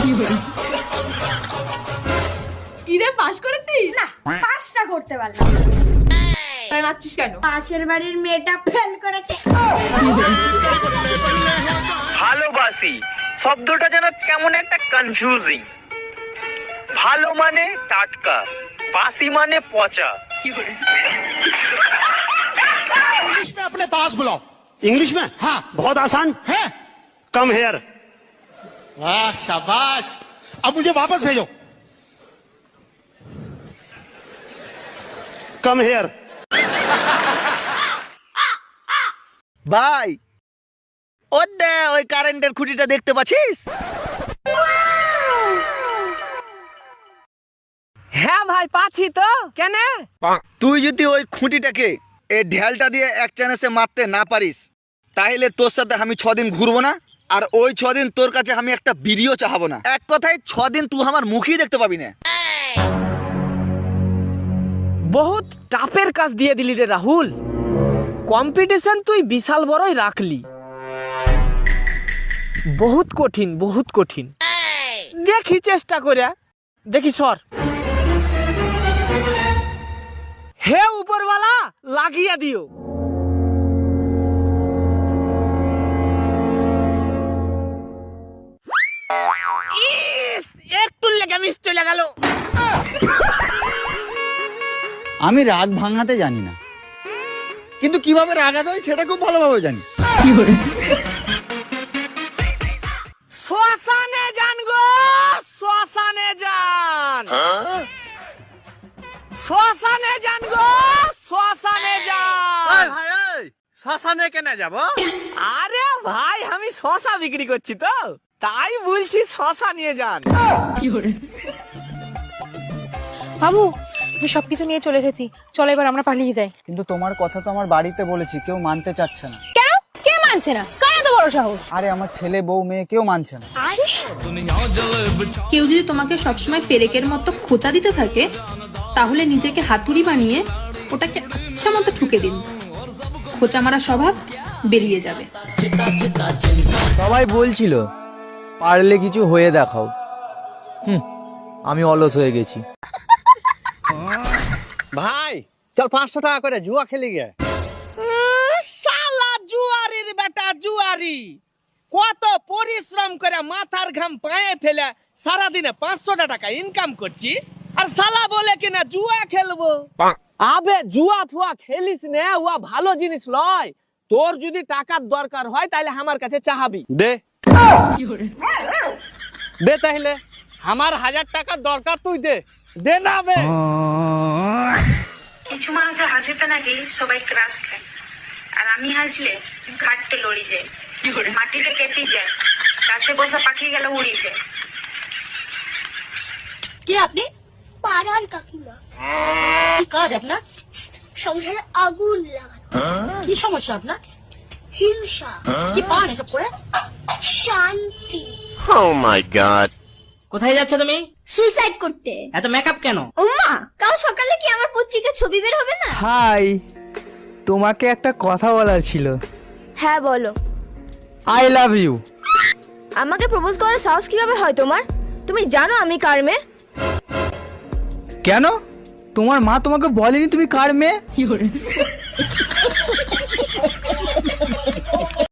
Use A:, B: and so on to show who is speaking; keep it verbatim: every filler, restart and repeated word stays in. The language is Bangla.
A: কিরে পাস করেছিস?
B: না, পাসটা করতে পারলাম না।
A: তাহলে নাচছিস কেন?
B: পাশের বাড়ির মেয়েটা ফেল করেছে।
C: ভালোবাসি শব্দটা যেন কেমন একটা কনফিউজিং। ভালো মানে টাটকা, বাসি মানে পচা।
D: इंग्लिश में अपने पास बुलाओ।
E: इंग्लिश में?
D: हाँ।
E: बहुत आसान
D: है?
E: Come here.
D: वाह शाबाश। अब मुझे वापस भेजो।
E: Come here.
F: ভাই ওই দে ওই কারেন্টের খুঁটিটা দেখতে পাচ্ছিস?
G: হ্যাঁ ভাই পাচ্ছি তো। কেন?
F: তুই যদি ওই খুঁটিটাকে এই ঢেলটা দিয়ে এক চান্সে মারতে না পারিস তাহলে তোর সাথে আমি ছদিন ঘুরবো না, আর ওই ছদিন তোর কাছে আমি একটা ভিডিও চাহাবো না। এক কথায় ছদিন তুই আমার মুখই দেখতে পাবি না।
G: বহুত টাফের কাজ দিয়ে দিলি রে রাহুল। কম্পিটিশন তুই বিশাল বড়ই রাখলি। বহুত কঠিন, বহুত কঠিন। দেখি চেষ্টা করে, দেখি সর। হে উপরওয়ালা লাগিয়ে দিও। ইস, একটু লেগে মিস চলে গেল।
F: আমি রাগ ভাঙাতে জানি না, কিন্তু কিভাবে রাগাতে হয় সেটা খুব ভালোভাবে জানি।
G: শ্মশানে যান গো, শ্মশানে যান। শ্মশানে যান গো, শ্মশানে যান।
D: শ্মশানে কেন যাব?
G: আরে ভাই আমি শশা বিক্রি করছি তো, তাই বলছি শশা নিয়ে যান।
A: বাবু আমি সবকিছু নিয়ে চলে এসেছি, চলো এবার আমরা পালিয়ে যাই।
F: কিন্তু তোমার কথা তো আমার বাড়িতে বলেছি, কেউ মানতে চাচ্ছে না।
A: কেন? কে মানছে না? কার এত বড় সাহস?
F: আরে আমার ছেলে বউ মেয়ে কেউ মানছে না।
H: কেউ যদি তোমাকে সবসময় পেরেকের মতো খোঁচা দিতে থাকে তাহলে নিজেকে হাতুড়ি বানিয়ে ওটাকে আচ্ছা মতো ঠুকে দিন, খোঁচা মারা স্বভাব বেরিয়ে যাবে।
I: সবাই বলছিল পারলে কিছু হয়ে দেখাও। হুম, আমি অলস হয়ে গেছি।
D: ভাই চল পাঁচশো টাকা করে জুয়া খেলি গে।
G: শালা জুয়ারির বেটা জুয়ারি, কত পরিশ্রম করে মাথার ঘাম পায়ে ফেলে সারাদিনে পাঁচশো টাকা ইনকাম করছি, আর শালা বলে কিনা জুয়া খেলবো। আবে জুয়া ফুয়া খেলিস না, ওয়া ভালো জিনিস লয়। তোর যদি টাকার দরকার হয় তাহলে আমার কাছে চাহাবি।
D: দে দে তাহলে আমার হাজার টাকার দরকার, তুই দে। দে না বে।
J: কিছু মানুষের হাসিতে নাকি সবাই ক্রাশ খায়, আর আমি হাসলে ঘাটতে লড়ি যায়, মাটিতে কেটে যায়, গাছে বসা পাখি গেলে উড়ি যায়।
B: কে আপনি? পাড়ার কাকিমা। কি কাজ আপনার? সংসারে আগুন লাগানো। কি সমস্যা আপনার? হিংসা। কি পান এসব করে? শান্তি।
C: Oh my god.
G: কোথায় যাচ্ছ তুমি?
B: সুইসাইড করতে।
G: এত মেকআপ কেন?
B: ওমা, কাল সকালে কি আমার পত্রিকার ছবি বের হবে না?
I: হাই, তোমাকে একটা কথা বলার ছিল।
B: হ্যাঁ বলো।
I: I love you.
B: আমাকে প্রপোজ করার সাহস কিভাবে হয় তোমার? তুমি জানো আমি কার মেয়ে?
I: কেন? তোমার মা তোমাকে বলেনি তুমি কার মেয়ে?